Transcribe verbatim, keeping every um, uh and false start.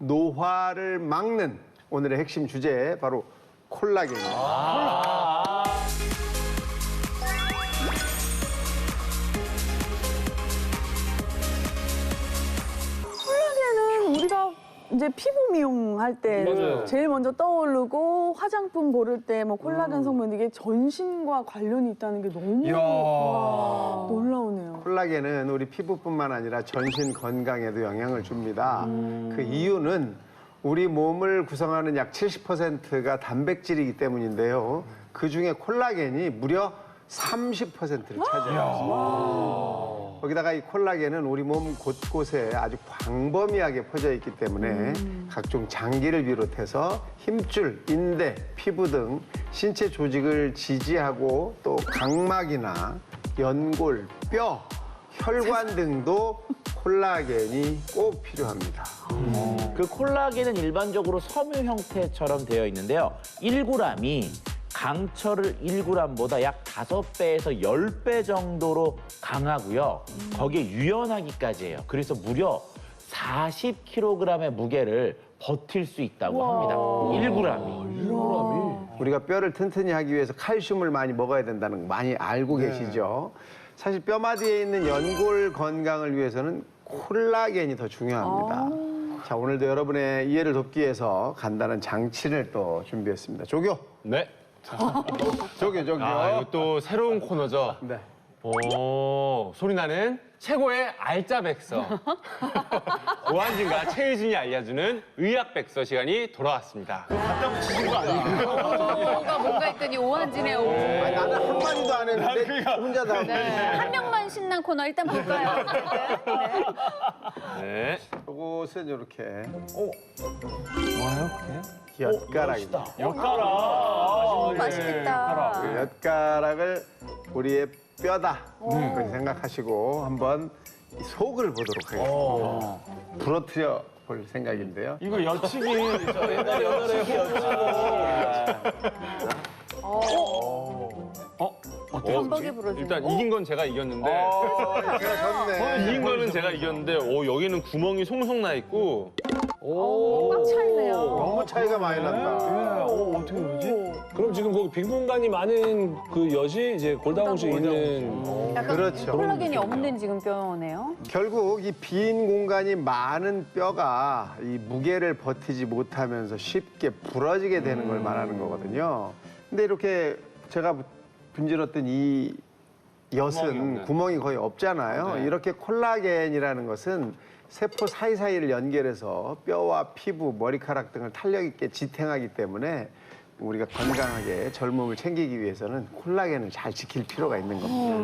노화를 막는 오늘의 핵심 주제 바로 콜라겐입니다. 아 콜라겐은 우리가 이제 피부 미용할 때 맞아요. 제일 먼저 떠오르고 화장품 고를 때 뭐 콜라겐 성분 이게 전신과 관련이 있다는 게 너무 와, 놀라우네요. 콜라겐은 우리 피부뿐만 아니라 전신 건강에도 영향을 줍니다. 그 이유는 우리 몸을 구성하는 약 칠십 퍼센트가 단백질이기 때문인데요. 그중에 콜라겐이 무려 삼십 퍼센트를 차지합니다. 거기다가 이 콜라겐은 우리 몸 곳곳에 아주 광범위하게 퍼져 있기 때문에 음. 각종 장기를 비롯해서 힘줄, 인대, 피부 등 신체 조직을 지지하고 또 각막이나 연골, 뼈, 혈관 등도 콜라겐이 꼭 필요합니다. 그 콜라겐은 일반적으로 섬유 형태처럼 되어 있는데요. 일 그램이 강철을 일 그램보다 약 다섯 배에서 십 배 정도로 강하고요. 거기에 유연하기까지 해요. 그래서 무려 사십 킬로그램의 무게를 버틸 수 있다고 합니다. 일 그램이. 우리가 뼈를 튼튼히 하기 위해서 칼슘을 많이 먹어야 된다는 거 많이 알고 계시죠? 사실 뼈마디에 있는 연골 건강을 위해서는 콜라겐이 더 중요합니다. 자, 오늘도 여러분의 이해를 돕기 위해서 간단한 장치를 또 준비했습니다. 조교! 네. 조교, 조교. 아, 이거 또 새로운 코너죠? 네. 오, 소리 나는 최고의 알짜백서. 오한진과 최유진이 알려주는 의학백서 시간이 돌아왔습니다. 뭐가 뭔가 했더니 오한진의 오. 아니, 나는 한마디도 안 했는데 혼자 다. 네. 한 명만 신난 코너 일단 볼까요? 네. 이것은 이렇게 뭐예요, 그게? 엿가락입니다. 오, 맛있겠다. 그 엿가락을 우리의 뼈다 그렇게 생각하시고 한번 이 속을 보도록 하겠습니다. 부러뜨려 볼 생각인데요. 이거 여치기. 저 옛날에 옛날에 범벅에 부러지는 일단 이긴 건 제가 이겼는데 어, 제가 졌네. 이긴 거는 제가 이겼는데 오, 여기는 구멍이 송송 나 있고 꽉 차있네요. 너무 차이가 많이 난다. 어, 어떻게 그러지? 그럼 지금 거기 빈 공간이 많은 그 엿이 이제 골다공증 있는 약간 그렇죠. 콜라겐이 없는 지금 뼈네요. 결국 이 빈 공간이 많은 뼈가 이 무게를 버티지 못하면서 쉽게 부러지게 되는 걸 말하는 거거든요. 근데 이렇게 제가 분질렀던 이 엿은 구멍이 거의 없잖아요. 이렇게 콜라겐이라는 것은 세포 사이사이를 연결해서 뼈와 피부, 머리카락 등을 탄력 있게 지탱하기 때문에 우리가 건강하게 젊음을 챙기기 위해서는 콜라겐을 잘 지킬 필요가 있는 겁니다.